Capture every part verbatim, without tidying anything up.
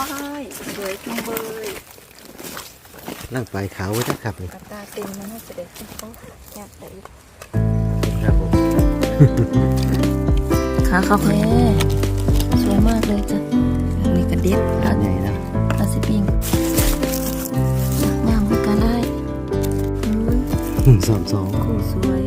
ายสวยจังเลยนั่งปลายขาวไว้ได้ครับเลยตาเต็มมันน่าจะเด็ดเขาอยากได้ครับผมขาเขาแพ้สวยมากเลยจ้ะนี่กระเด็ดขาใหญ่นะอาสิปิงงามเหมือนกันได้สองสองคู่สวย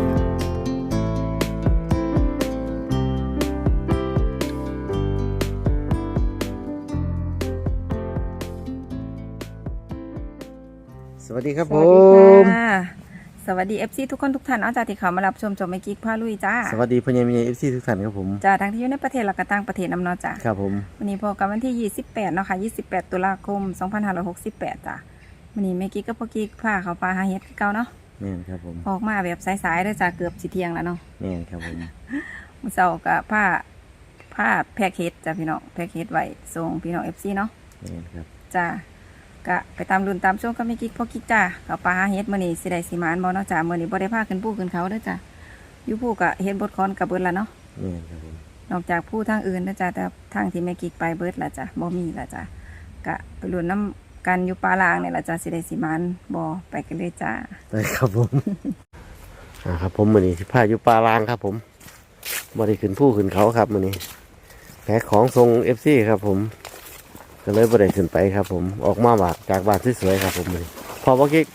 สวัสดีครับผมสวัสดีเอฟซีทุกคนทุกท่านเอาจากที่เขามารับชมจมไม่กิ๊กพาลุยจ้าสวัสดีพญามิเอฟซีทุกท่านครับผมจ้าทั้งที่อยู่ในประเทศและก็ต่างประเทศนำเนาะจ้าครับผมวันนี้พบกันวันที่ยี่สิบแปดเนาะค่ะยี่สิบแปดตุลาคมสองพันห้าร้อยหกสิบแปดจ้าวันนี้แม่กิ๊กกับพ่อกิ๊กพาเขาปลาหาเห็ดเก่าเนาะแม่นครับผมออกมาแบบสายๆด้วยจ้าเกือบสิเที่ยงแล้วเนาะแม่นครับผมมื้อเช้ากับผ้าผ้าแพคเห็ดจ้าพี่น้องแพคเห็ดไว้ส่งพี่น้องเอฟซีเนาะแม่นครับจ้ากะไปตามรุ่นตามช่วงก็ไม่กิ๊กพ่อกิ๊กจ้าเขาปลาหาเห็ดมื้อนี้สิได้สิมานบ่เนาะจ้ามื้อนี้บ่ได้พาขึ้นภูขึ้นเขาเด้อจ้าอยู่ภูกะเห็ดบดคอนกับเบิดละเนาะแม่นครับผมนอกจากภูทางอื่นนะจ้าแต่ทางที่แม่กิ๊กไปเบิดละจ้าบ่มีละจ้ากะไปรุ่นน้ำกันอยู่ปลาลางเนี่ยละจ้าสิได้สิมานบ่ไปกันเลยจ้าได้ครับผมอ่าครับผมมื้อนี้สิพาอยู่ปลาลางครับผมบ่ได้ขึ้นภูขึ้นเขาครับมื้อนี้แพ็คของทรง เอฟ ซี ครับผมก็เลยบ่ได้ขึ้นไปครับผมออกมาบาดจากบ้านสวยๆครับผมมื้อนี้พอบ่กิ๊ก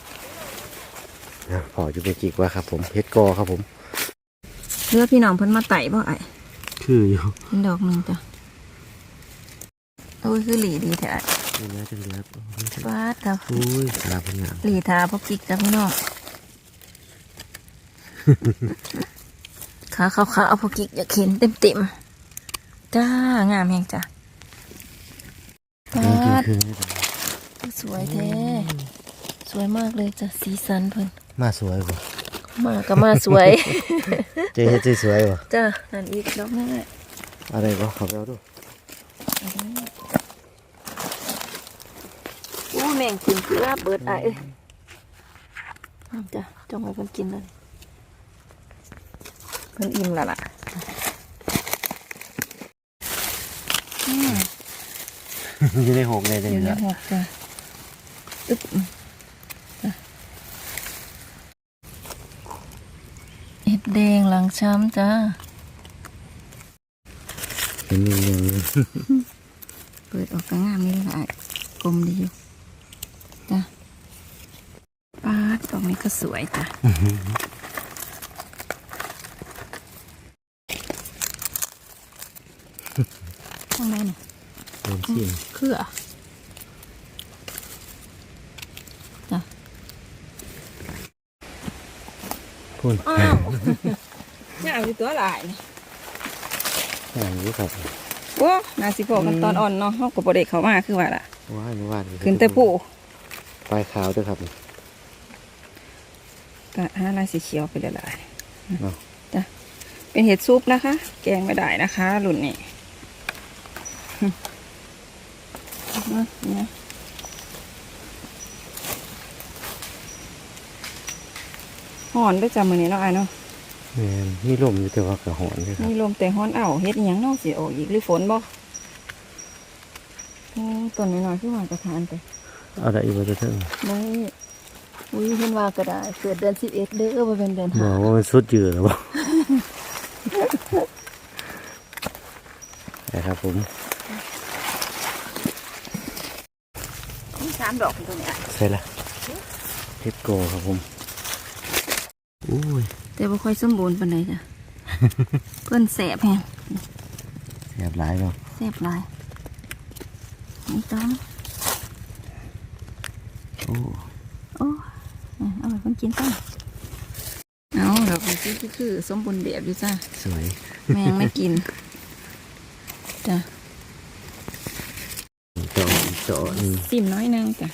นะพออยู่ไปกิ๊กว่าครับผมเฮ็ดกอครับผมเลือพี่น้องเพิ่นมาไต่บ่ไอ้คืออยู่เป็นดอกนึงจ้ะโอ้ยคือหลีดีแท้นี่นะจังเลยครับฟาดครับอุ้ยลาเป็นงามหลีทาพกกิ๊กจ้ะพี่น้องขาขาวๆเอาพกกิ๊กอยากเห็นเต็มๆจ้างามแฮงจ้ะฟาดสวยแท้สวยมากเลยจ้ะสีสันเพิ่นมาสวยป่ะมาก็มาสวยเจ๊เฮ็ดสวยป่ะจ้ะนั่นอีกดอกนึงอะไรก็ขับแล้วดูอู้แมงกินเกลือเบิดไอ้เอ้ยจ้ะจงให้เพิ่นกินเลยเพิ่นอิ่มแล้วล่ะอยู่ในหกเลยอยู่ในหกจ้ะอึ๊บจ้ะเห็ดแดงหลังช้ำจ้าเห็นยังยังเปิดออกกระงามนี่เลยกลมดีอยู่จ้ะป้าตรงนี้ก็สวยจ้ะข้างในเนี่ยเครือจ้ะพูนอ้าวนี่เอาอยู่ตัวหลายนี่อย่างนี้ครับว้านาสิพอกันตอนอ่อนเนาะเขาก็บ่ได้เข้ามาคือว่าล่ะว้ายว้ายขึ้นแต่ผู้ปลายขาวด้วยครับก็ห้าลายสีเขียวไปเลยละจ้ะเป็นเห็ดซุปนะคะ แกงไม่ได้นะคะหลุ่นนี่นะห่อนด้วยจ้ะมือนี้เนาะไอ้เนาะนี่ลมอยู่แต่ว่ากระหอนด้วยครับนี่ลมแต่ห่อนเอ้าเฮ็ดยังนอกสิออกอีกหรือฝนบ่ต้นน้อยๆขึ้นมากระทานไปอะไรอีกบ้างเถอะไม่อุ้ยเห็นว่าก็ได้เกิดเดือนสิบเอ็ดเด้อว่าเป็นเดือนห้าบอกว่ามันสุดเยือแล้วบ่นะครับผมนี่สามดอกตัวนี้ใช่ละเฮ็ดโกครับผมอุ้ยแต่บ่ค่อยสมบูรณ์ปานใดจ้ะเพิ่นแสบแฮงแสบหลายเนาะแสบหลายนี่ต้องโอ้โอ้เอาไปคนกินต้องเอาดอกนี้คือคือสมบูรณ์แบบอยู่จ้ะสวยแมงไม่กินจ้ะเจาะเจาะนี่ซิมน้อยนึงจ้ะ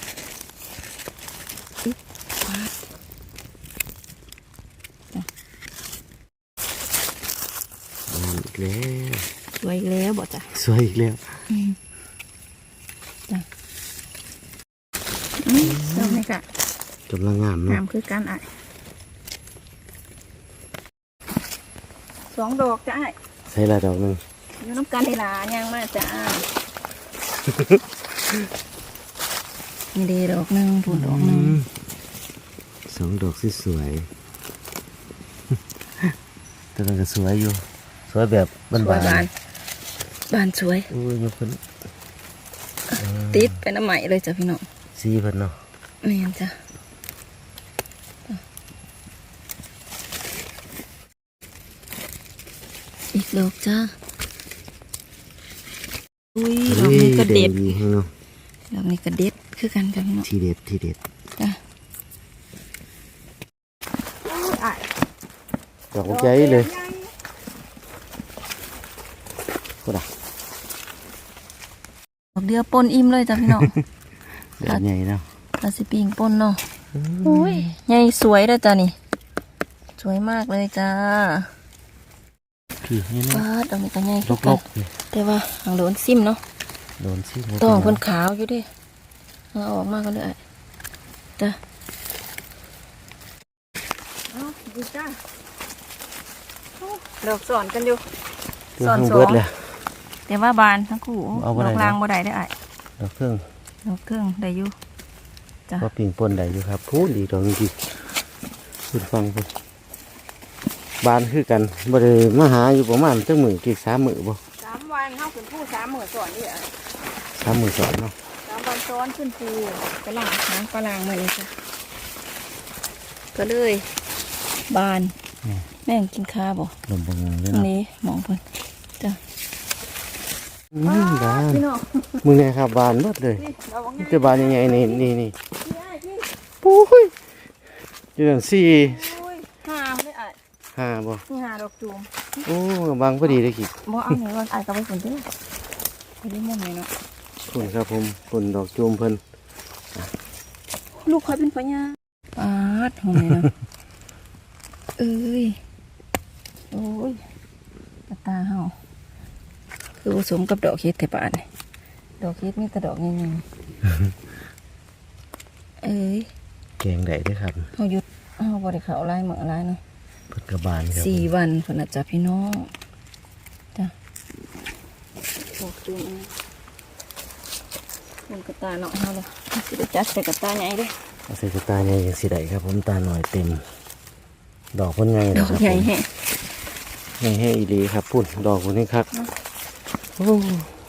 อีกแล้วสวยอีกแล้วบอกจ้ะสวยอีกแล้วจ้ะชอบไหมจ้ะกำลังงามเนาะงามคือการอ่ะสองดอกจ้ะใช่ละดอกนึงอยู่น้ำกันในลาย่างมากจ้ะนี่เดดอกหนึ่งผุดดอกหนึ่งสองดอกสวยๆแต่มันก็สวยอยู่สวยแบบบ้านสวยบานบานสวยๆอุ้ยยกขึ้นติดเป็นน้ำใหม่เลยจ้ะพี่น้องสีเพิ่นเนาะแม่นจ้ะอีกดอกจ้าอุ้ยดอกนี้กระเด็ดดีให้เนาะดอกนี้กระเด็ดคือกันจ้ะพี่น้องทีเด็ดทีเด็ดจ้ะดอกใจเลยก็ได้ดอกเดียวปนอิ่มเลยจ้ะพี่น้องเดือดใหญ่เนาะปลาสิปิงปนเนาะอุ้ยใหญ่สวยเลยจ้ะนี่สวยมากเลยจ้าพี่นี่ว้าเนาะดอกนี้ก็ใหญ่ลคือก กันๆนี่แต่ว่าหางโดนซิมเนาะโดนสิต้องเพิ่นขาวอยู่เดิเอาออกมาก็เลยจ้ะเอาดีจ้าดอกสอนกันอยู่สอนสองเลยแต่ว่าบานทั้งคู่เอาบ่ดได้อกนะลางบ่ได้ได้อไอ้ดอกเครื่องดอกเครื่องได้อยู่จ้ะก็ปิ่งปนได้อยู่ครับพูดดีดอกจริงคุณฟังเพิ่นบานคือกันบ่ได้มาหาอยู่ประมาณจักมื้อกี่สามมื้อบ่สามวันเข้าขึ้นผู้สามหมื่นสอนนี่อ่ะสามมื้อสอนเนาะสามวันซ้อนขึ้นภูกระหล่างหางกระหล่างมาเลยจ้ะก็เลยบานแม่งกินข้าวบ่ลมบางเลยตรงเนาะนี้มองเพิ่นจ้ะอืมบานพี่น้องมึงไงครับบานหมดเลยนี่เราว่าไงจะบานยังไงนี่นี่นี่พี่ไอ้พี่ปุ้ยอยู่นั่นสี่อุ้ยหาเลยไอ้ห้าบ่นี่หาดอกจูมโอ้บางพอดีเลยกี่บ่เอาหน่อยก่อนไอ้ก็ไปฝนเด้อไปได้ม่วงเลยเนาะคุณครับผมคุณดอกจูมเพิ่นลูกคอยเป็นพญาปาดหอมเลยเนาะ เอ้ยโอ้ยกระตาเฮาคือผสมกับดอกเฮ็ดแต่ปานนี่ดอกเฮ็ดมีแต่ดอกใหญ่ๆเอ้ยแกงได้เด้วยครับเฮาหยุดเฮาบ่ได้เข้าลายมื้อลายเนาะเพิ่นกระบานครับสี่วันพุ่นน่ะจ้ะพี่น้องจ้ะดอกจูมมันกระตาเนาะเฮาเลยสิได้จัดใส่กระตาใหญ่เด้อเอาใส่กระตาใหญ่ยังสิได้ครับผมตาหน่อยเต็ม ดอกเพิ่นไงดนะอกครับใหญ่ผมแฮะใหญ่ให้อีหลีครับพุ่นดอกพุ่นนี่ครับโอ้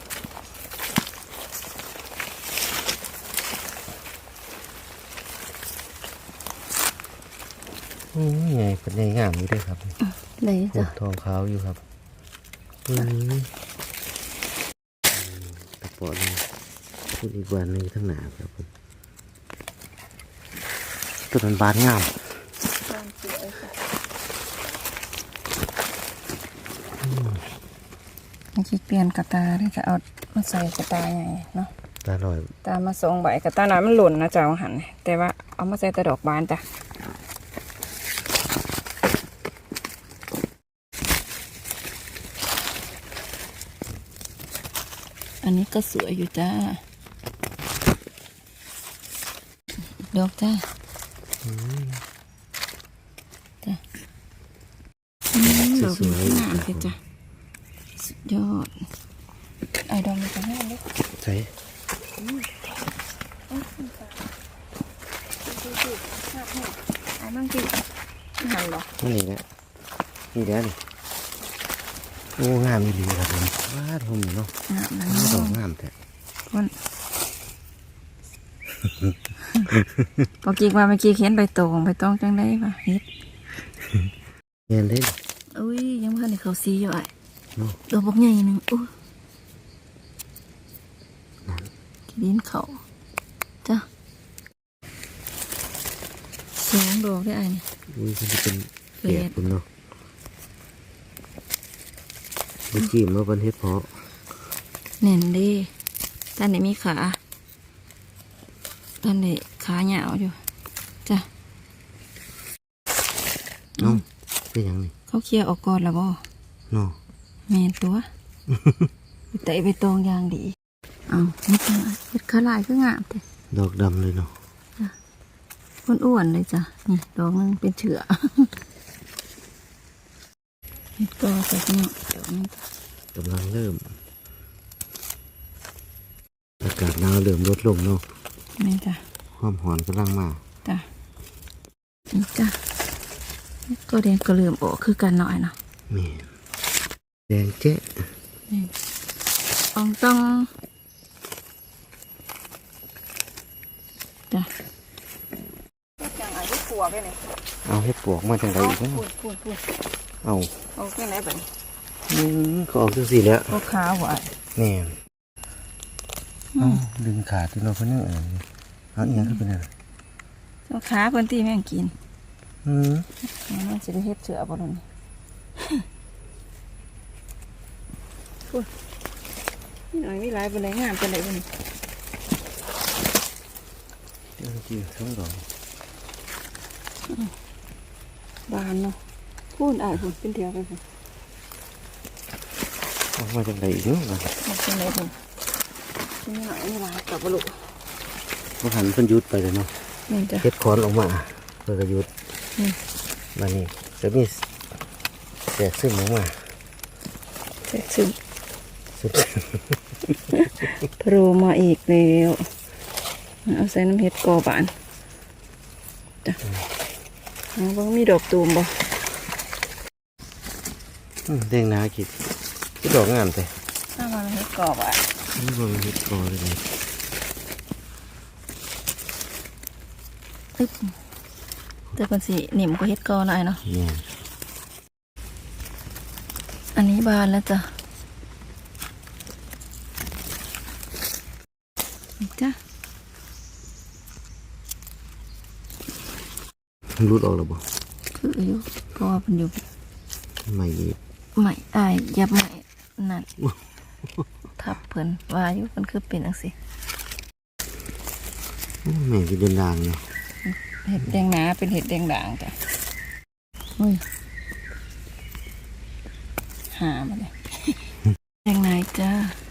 อืมใหญ่เป็นใหญ่งามอยู่เด้วยครับเลยพุ่จ้ะนทองขาวอยู่ครับอืมตะปอนี่พูดอีกวันหนึ่งทั้งหนาครับผมต้นมันบานงามมันคิดเปลี่ยนกระตาได้จะเอามาใส่กระตาใหญ่เนาะตาหน่อยตามาสองใบกระตาน้อยมันหล่นนะจ๊ะว่าหันแต่ว่าเอามาใส่แต่ดอกบานจ้ะอันนี้ก็สวยอยู่จ้าดอกจ้าจ้ะอืมดอกนี้งามเลยจ้ะสุดยอดไอ้ดอกนี้ก็งามเลยใส่ไอ้มั่งจีหันหรอนี่นี่แหละนี่เดี๋ยวนี่โอ้งามอีหลีครับผมว้าทมเนาะงามนะดอกงามแต่คนปอกี้ว่าเมื่อกี้เขียนใบตองใบตองจังได้ป่ะเฮ็ดเงี้ยเล่นอุ้ยยังไม่ทันได้เขาซีอยู่ไอ้เนาะดอกบักใหญ่หนึ่งอุ้ยดินเขาจ้ะสองดอกได้ไอ้นี่อุ้ยมันจะเป็นเฟเปียกดคุณเนาะมันจิ้มมาเป็นเฮ็ดเพาะเน่นเดีด้านไหนมีขาด้านไหนขาเหยาวอยู่จ้ะเนาะเป็นหยังนี่เขาเคลียร์ออกก่อนแล้วบ่เนาะแมนตัว แต่ไปตองยางดีเอานี่จ้ะเห็ดขาลายคืองามแต่ดอกดำเลยเนาะอ้วนๆเลยจ้ะนี่ดอกนึงเป็นเชื้อ เห็ดก็ใส่เนาะเดี๋ยวนี้กำลังเริ่มากาศหนาวเริ่มลดลงเนาะนี่จ้ะความหอนกำลังมาจ้ะนี่จ้ะก็แดงก็เริ่มออกคือกันหน่อยเนาะแม่นแดงเจ๊นี่อองต้องจ้ะจังอายุปวกเลยเอาเห็ดปวกมาจังไรอีกเนาะพูดพูดพูดเอาเอาแค่ไหนบ้างอืมก็ออกจังสี่แล้วก็ขาวหวานแม่นเอาดึงขาดที่เราเพิ่นนึงเออเอาอีหยังขึ้นไปนั่นน่ะก็ขาเพิ่นที่แม่งกินอืมมันจะได้เฮ็ดเสือบ่ล่ะนี่พูดนี่หน่อยมีหลายบ่ได้งามปานใดบ่นี่เดี๋ยวกินทั้งดอกบานเนาะพูดอ่านพูดเป็นเดียวไปพูดออกมาจังไรอีกเนาะมันเป็นไรพูดนี่หน่อยมีหลายกับบ่ลูกบ่หันเพิ่นหยุดไปเลยเนาะนี่จ้ะเฮ็ดคอนออกมาเพื่อกระยุดนี่มานี่จะมีแสกซึมออกมาเสร็จซึมซึมโผล่มาอีกแล้วเอาใส่น้ำเห็ดกอบานจ้ะเอาบ่มีดอกตูมบ่อืมแดงหนากิดที่ดอกงามแต่ถ้ามาเห็ดกอบานนี่บ่มันเฮ็ดคอเลยนี่ตึ๊บแต่เป็นสีหนิมก็เห็ดกอหน่อยเนาะเนี่ยอันนี้บานแล้วจ้ะนี่จ้ะรุดออกแล้วบ่คืออยู่เพราะว่ามันอยู่ไม่ดีใหม่อายยับใหม่นั่น ทับเพิ่นว่าอยู่เพิ่นคือเป็นจังซี่อืมแม่คือเดินดางเนาะเห็ดแดงหนาเป็นเห็ดแดงด่างจ้ะอุ้ยหามาเลย แดงไหนจ้า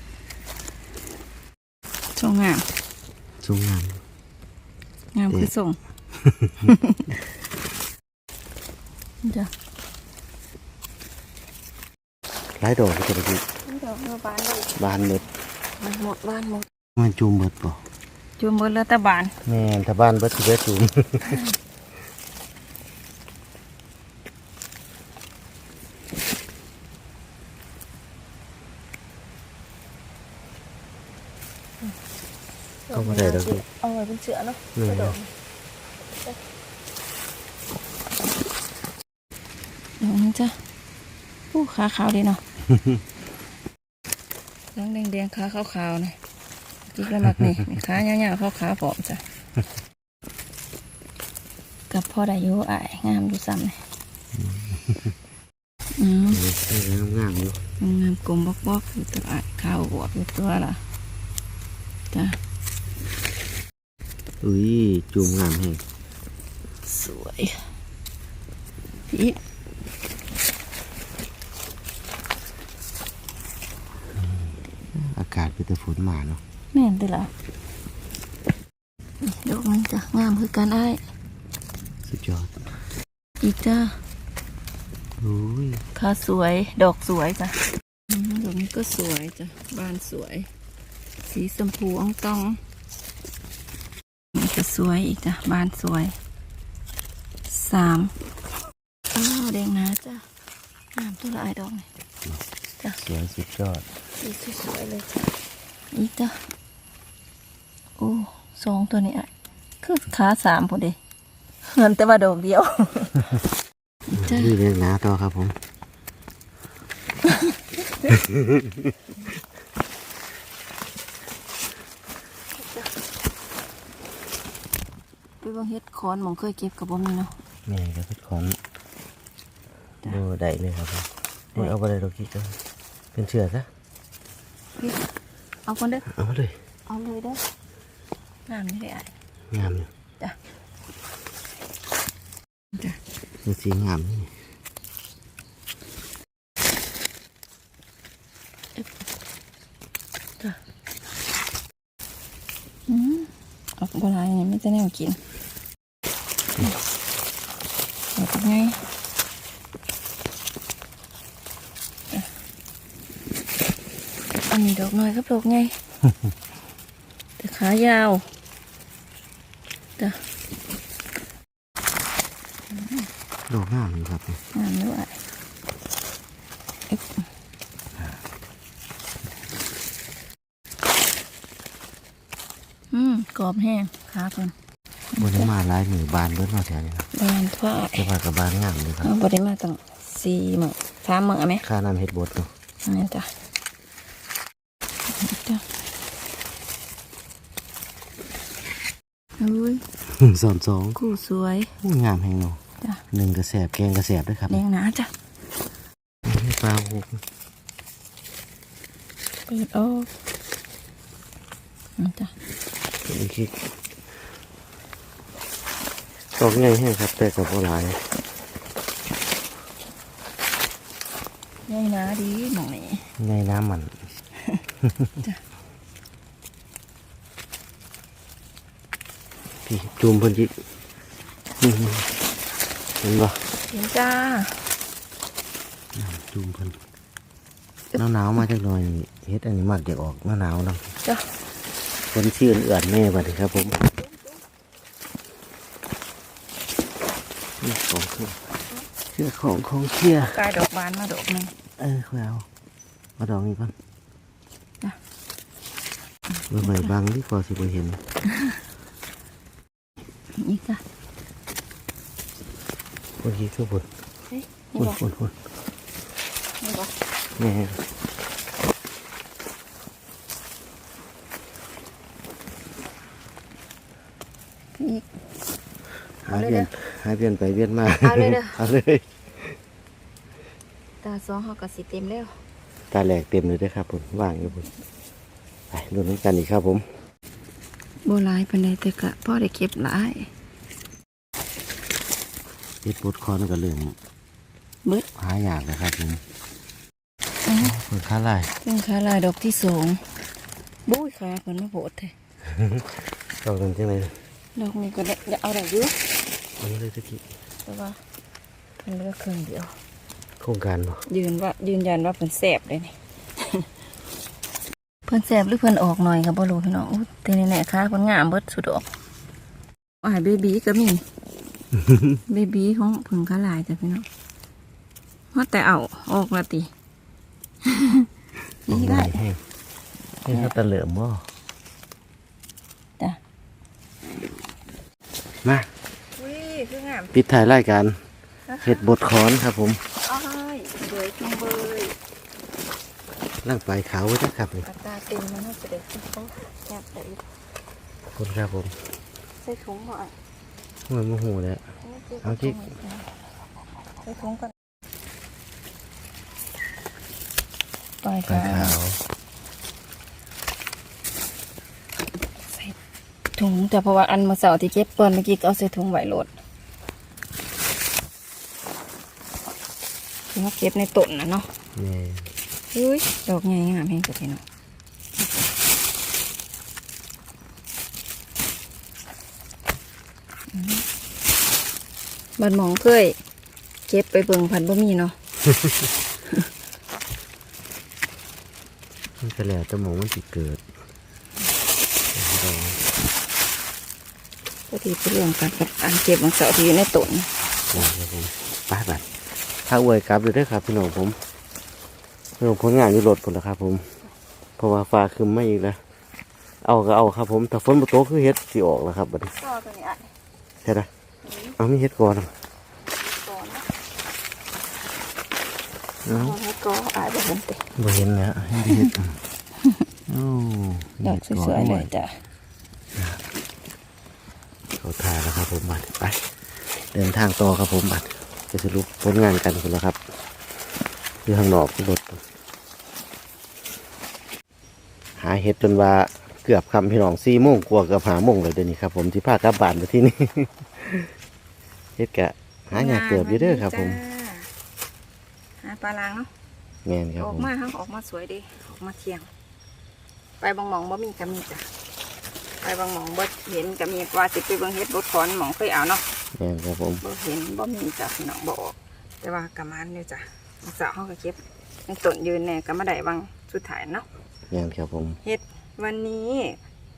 ส่งงามสวยงามงามคือส่ง จ้ะหลายดอกก็จะไปกินดอกเมื่อบานเลยบานหมดมันหมดบ้านหมดมันจูมเบิดบ่จุ่มหมดแล้วแต่บานแม่นถ้าบ้านเบิดสิได้จูม เอามาได้ดอกลูกเอาไว้เป็นเสือเนาะนี่กระโดดเดี๋ยวนี้จ้ะผู้ขาขาวดีเนาะ น้องแดงๆขาขาวๆนะจิกแล้วมักนี่นี่ขาเงาวๆขาวๆผอมจ้ะ กับพ่อได้อยู่อ้ายงามดูซ้ำเลยอืมนี่งามๆอยู่งามกลมบอกๆอยู่ตัวอ้ายขาวบวบอยู่ตัวล่ะจ้ะอุ้ยจูมงามแฮงสวยพี่อากาศเป็นแต่ฝนมาเนาะแม่นติล่ะนี่ดอกนึงจ้ะงามคือการอ้ายสุดยอดอีกจ้าอุ้ยขาสวยดอกสวยจ้ะอืมดอกนี้ก็สวยจ้ะบานสวย สีชมพูอ่องตองนี่ก็สวยอีกจ้ะบานสวยสามอ้าวแดงนะจ้ะงามตัวละไอายดอกนี่จ้ะสวยสุดยอดสีสวยๆเลยจ้ะอีกจ้ะโอ้สองตัวนี้อ่ะคือขาสามพอดีเงินแต่ว่าดอกเดียว จ้ะนี่เรียกหนาต่อครับผมไปเบิ่งเฮ็ดคอนหมองเคยเก็บกับบ่มีเนาะแม่ก็เป็นของดูได้เลยครับผมนี่เอาไปเลยดอกกี้ก็เป็นเชือกซะพี่เอาคนเด้อเอามาเลยเอาเลยเด้องามนี่เลยอ่ะงามอยู่จ้ะจ้ะเป็นสีงามนี่จ้ะอืมเอาโบราณนี่ไม่จะแนวกินเอาเป็นไงจ้ะอันนี้ดอกน้อยกับดอกไงจะขายาวจ้ะดอกงามเลยครับงามด้วยอืมกรอบแห้งขาเพิ่นบนมาหลายหมื่นบานเบิดมาแถวนี้ครับบานฝ้ายจะว่ากับบานงามเลยครับเอาบริมาตั้งสี่หมื่นสามหมื่นไหมค่าน้ำเห็ดบดเนาะนี่จ้ะจ้ะอุ้ยสอนสองคู่สวยโอ้งามแห่งเนาะจ้ะหนึ่งกระแสบแกงกระแสบด้วยครับแดงหนาจ้ะปลาหูเปิดออกนี่จ้ะอีกทีดอกใหญ่แห้งครับแต่กับโบราณใหญ่หนาดีหมองนี้ในน้ำมันจ้ะพี่จูมเพิ่นจิอื้อหือเห็นปะเห็นจ้าจูมเพิ่นหนาวหนาวๆมาจักหน่อยนี่เฮ็ดอันนี้มากอยากออกหน้าหนาวเนาะจ้ะคนชื่อเอื่อนแม่บัดนี้ครับผมนี่ของเครื่องเชื่อของของเชี่ยกายดอกบานมาดอกหนึ่งเออค่อยเอามาดอกนี้ก่อนจ้ะเมื่อใหม่บางที่พอสิบ่เห็นนี่จ้ะคนที่คือบุญเฮ้ยนี่บุญบอกบุญบุญนี่บอกแม่นี่หาเวียนหาเวียนไปเวียนมาเอาเลยเด้อเอาเลยตาสองเขาก็สิเต็มแล้วตาแหลกเต็มเลยเด้อครับผมว่างอยู่บุญไปดูน้ำกันอีกครับผมโบราณเป็นไดแต่กะพ่อได้เก็บหลายเฮ็ดบดคอนก็เรื่องเบิดหาอยากนะครับผมอ๋อเปิดค้าลายเครื่องขาลายดอกที่สองบุ้ยขาเพิ่นมาโผล่เถอะเรากันจังไงดอกนี้ก็ได้เดี๋ยวเอาได้เยอะอันนี้เลยตะกี้แต่ว่าเพิ่นเหลือกครึ่งเดียวโครงการเนาะยืนว่ายืนยันว่าเพิ่นแสบเลยนี่ เพิ่นแสบหรือเพิ่นออกหน่อยก็บ่รู้พี่น้องอู้แต่แน่ๆค่ะเพิ่นงามเบิดสุดดอกอ้ายเบบีก็มี เบบีของเพิ่นขาลายจ้ะพี่น้องว่าแต่เอาออกละติออกนี่ใหได้ญ่แห้งให้เขาตะเหลิมบ่จ้ะมาอุ้ยคืองามปิดถ่ายรายการเห็ดบดคอนครับผมอ้ายเบยจุงเบยร่างปลายขาวไว้นะครับนี่อัตราเต็มมันน่าจะได้ขึ้นเขาแอบแต่อีกขอบคุณครับผมใส่ถุงหน่อยหัวโมโหแล้ว เอาจิ๊กใส่ถุงก่อนปลายปลายขาขาวใส่ถุงแต่เพราะว่าอันมาเสาร์ที่เก็บก่อนเมื่อกี้ก็เอาใส่ถุงไหวโหลดที่เขาเก็บในต้นนะเนาะนี่อุ้ยดอกใหญ่งามแห้งสุดพี่น้องอืมบันหมองเคยเก็บไปเบิ่งพันบ่มีเนาะมันก็แล้วแต่หมองมันสิเกิดดอกพอดีไปเรื่องกันกับอันเก็บบางเสาร์ที่อยู่ในต้นนะครับผมไปบัดถ้าอวยกลับเลยเด้อครับพี่น้องผมเรื่องผลงานอยู่รถผลแล้วครับผมเพราะว่าฟ้าคืมไม่อีกแล้วเอาก็เอาครับผมแต่ฝนบ่ตกคือเฮ็ดสิออกแล้วครับบัดนี้ก็ตัวนี้อ่ะใช่ไหมเอามีเฮ็ดก่อนก่อนนะเอาเอาให้ก็อายบ่เห็นติบ่เห็นแล้วให้เฮ็ดโอ้ดอกสวยๆเลยจ้ะเขาทาแล้วครับผมบัดไปเดินทางต่อครับผมบัดจะสรุปผลงานกันคนแล้วครับอยู่ข้างนอกรถหาเห็ดจนว่าเกือบคำพี่น้องสี่โมงกว่าเกือบหาโมงเลยเดี๋ยวนี้ครับผมที่พากลับบ้านไปที่นี่ เฮ็ดกะหาอยากเกือบอยู่เด้อครับผมหาปลาลางเนาะแม่นครับออผกมมาครับออกมาสวยดีออกมาเที่ยง ไปบางหมองบ่มีก็มีจ้ะไปบางหมองบ่เห็นก็มีว่าสิไปเบิ่งเฮ็ดบดขอนหมองเคยเอาเนาะแม่นครับผมบ่เห็นบ่มีจ้ะพี่น้องบ่ออกแต่ว่ากะมันอยู่จ้ะสาวเฮาก็เก็บในต้นยืนแน่ก็มาได้บางสุดท้ายเนาะแม่นครับผมเฮ็ดวันนี้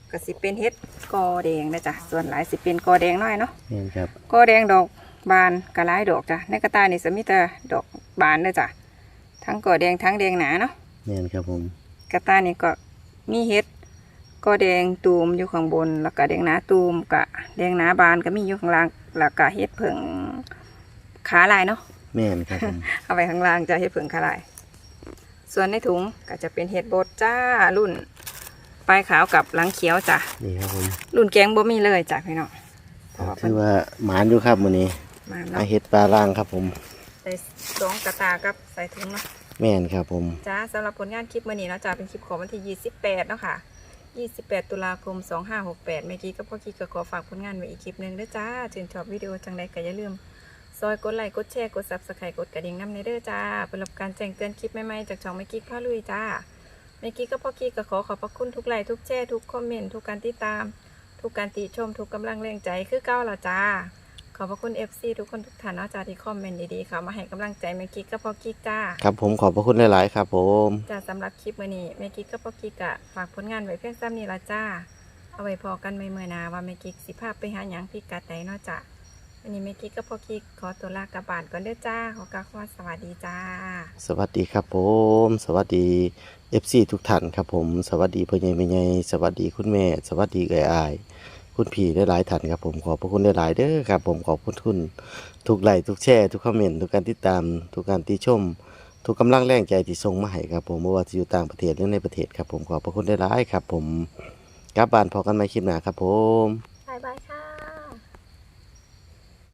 ก็สิเป็นเฮ็ดกอแดงนะจ้ะส่วนหลายสิเป็นกอแดงน้อยเนาะแม่นครับกอแดงดอกบานกระหลายดอกจ้ะในกระตานี่จะมีแต่ดอกบานเด้อจ้ะทั้งกอแดงทั้งแดงหนาเนาะแม่นครับผมกระตานี่ก็มีเฮ็ดกอแดงตูมอยู่ข้างบนแล้วก็แดงหนาตูมกะแดงหนาบานก็มีอยู่ข้างล่างแล้วก็เฮ็ดเผิงขาลายเนาะแม่นครับผมเอาไปข้างล่างจะเฮ็ดเผิงขาลายส่วนในถุงก็จะเป็นเฮ็ดบดจ้ารุ่นปลายขาวกับหลังเขียวจ้ะนี่ครับผมรุ่นแกงบ่มีเลยจ้ะพี่น้องเพราะว่าคือว่าหมานอยู่ครับมื้อนี้มาอาเนาะเฮ็ดปลาล่างครับผมใส่สองกระตากับใส่ถุงเนาะแม่นครับผมจ้าสำหรับผลงานคลิปมื้อนี้เนาะจ้าเป็นคลิปของวันที่ยี่สิบแปดเนาะค่ะยี่สิบแปดตุลาคมสองห้าหกแปดเมื่อกี้ก็พ่อกี้ก็ขอฝากผลงานไว้อีกคลิปหนึงเด้อจ้าชื่นชอบวิดีโอจังใดก็อย่าลืมซอยกดไลค์กดแชร์กด ซับสไครบ์ กดกระดิ่งนำในเด้อจ้าเพื่อรับการแจ้งเตือนคลิปใหม่ๆจากช่องเมื่อกี้พาลุยจ้าเมื่อกี้ก็พ่อกี้ก็ขอขอบพระคุณทุกไลค์ทุกแชร์ทุกคอมเมนต์ทุกการติดตามทุกการติชมทุกกำลังแรงใจคือเก้าละจ้าขอบพระคุณ เอฟ ซี ทุกคนทุกท่านเนาะจ้าที่คอมเมนต์ดีๆค่ะมาให้กำลังใจเมื่อกี้ก็พ่อกี้จ้าครับผมขอบพระคุณหลายๆครับผมจ้าสำหรับคลิปมื้อนี้แม่กิ๊กกับพ่อกิ๊กอะฝากผลงานไว้เพียงซ้ำนี้ละจ้า เอาไว้พอกันใหม่เมื่อหนาว่าแม่กิ๊กสิพาไปหาหยังพิกัดใดเนาะจ้าวันนี้แม่กิ๊กกับพ่อกิ๊กขอตัวลากลับบ้านก่อนเด้อจ้าขอกล่าวคำว่าสวัสดีจ้าสวัสดีครับผม สวัสดี เอฟ ซี ทุกท่านครับผม สวัสดีพ่อใหญ่แม่ใหญ่สวัสดีคุณแม่ สวัสดีเอ้ยอ้ายคุณพี่ได้หลายท่านครับผมขอบพระคุณได้หลายๆเด้อครับผมขอบคุณทุนทุกไลค์ทุกแชร์ทุกคอมเมนต์ทุกการติดตามทุกการติชม ทุกกำลังแรงใจที่ส่งมาให้ครับผมไม่ว่าจะอยู่ต่างประเทศหรือในประเทศครับผมขอบพระคุณได้หลายๆครับผมกลับบ้านพอกันใหม่คลิปหน้าครับผม